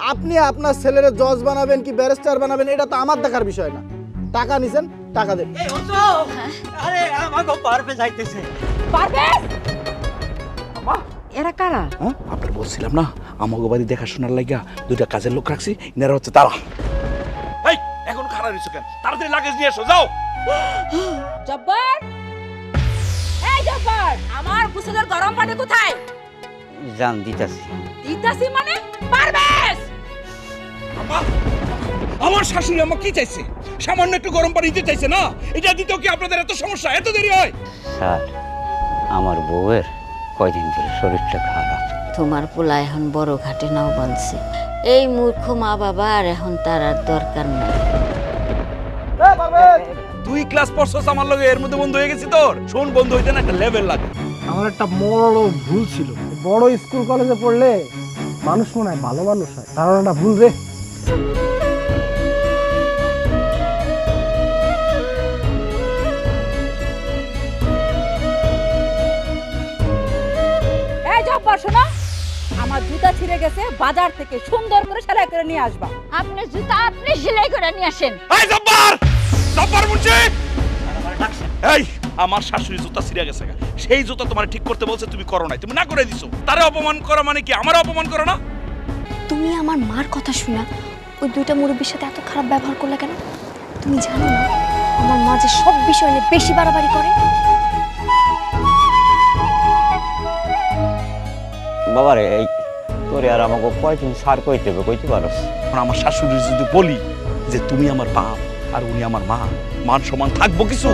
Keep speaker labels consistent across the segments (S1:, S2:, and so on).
S1: আপনি আপনার ছেলের জজ বানাবেন কি ব্যারিস্টার বানাবেন এটা তো আমার দেখার বিষয় না। টাকা নিছেন, টাকা দেন।
S2: এই হতো আরে আমাকে পারবে যাইতেছে।
S3: পারবেশ এরা কারা?
S4: হ্যাঁ আপনার বলছিলাম না আমাকে বাড়ি দেখাশোনার লাগিয়া দুইটা কাজের লোক রাখছি, ইনারা হচ্ছে তারা। এই এখন খারাপ হইছো কেন? তাড়াতাড়ি লাগেজ নিয়ে এসো, যাও।
S3: জব্বার, এই জব্বার, আমার গোসলের গরম পানি কোথায়?
S2: জান দিতাছি।
S3: দিতাছি মানে পারবেশ।
S4: আমার শাশুড়ি আমার কি চাইছে? সামান্য একটু গরম পানি দিতে চাইছে না? এটা দিতেও কি আপনাদের এত সমস্যা, এত দেরি হয়?
S2: স্যার আমার বউয়ের কয়দিন ধরে শরীরটা খারাপ।
S5: তোমার পোলা এখন বড় ঘাটে নাও বাঁধছে। এই মূর্খ মা বাবা আর এখন তার আর দরকার নাই।
S4: তুই ক্লাস পড়ছস আমার লগে, এর মধ্যে বন্ধ হয়ে গেছি তোর। শোন, বন্ধ হইতে না একটা লেভেল লাগে।
S1: আমার একটা বড় ভুল ছিল। বড় স্কুল কলেজে পড়লে মানুষ মনে হয় ভালো মানুষ হয়, ধারণাটা ভুল রে।
S3: এই জব্বার শোনো, আমার জুতা ছিঁড়ে গেছে, বাজার থেকে সুন্দর করে সেলাই করে নিয়ে আসবা।
S5: আপনি জুতা আপনি সেলাই করে নিয়ে আসেন।
S4: এই জব্বার! জব্বার মুন্সি! এই আমার শাশুড়ি জুতা ছিঁড়ে গেছে, সেই জুতা তোমার ঠিক করতে বলছে, তুমি করো নাই, তুমি না করে দিছো। তারে অপমান করা মানে কি? আমার অপমান করো না?
S6: তুমি আমার মার কথা শুনা ওই দুইটা মুরব্বীর সাথে এত খারাপ ব্যবহার করলে কেন? তুমি জানো না আমার মা যে সব বিষয় নিয়ে বেশি বাড়াবাড়ি করে?
S2: বাবারে এই তোরে আর আমাকে কয়দিন সার কইতে হবে, কইতে পারস?
S4: এখন আমার শাশুড়ি যদি বলি যে তুমি আমার বাপ আর উনি আমার মা, মান সমান থাকবো কিছু?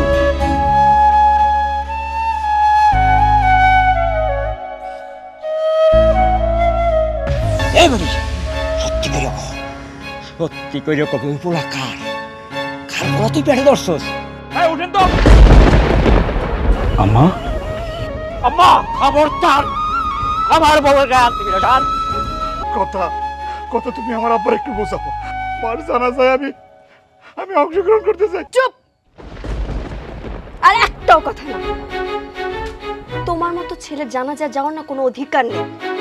S2: এবারে সত্যি করে কও, সত্যি করে কবে পোলা কার কার পোলা তুই পেটে ধরছস?
S4: হ্যাঁ উঠেন তো। আম্মা,
S2: আম্মা আমার তার আমার বউয়ের গায়ে হাত দিবি না, ডান।
S4: কথা কথা তুমি আমার আব্বার একটু বোঝাবো। মার জানা যায় আমি অংশগ্রহণ করতে চাই।
S6: চুপ! আর একটাও কথা না। তোমার মতো ছেলে জানাজা যাওয়ার না কোনো অধিকার নেই।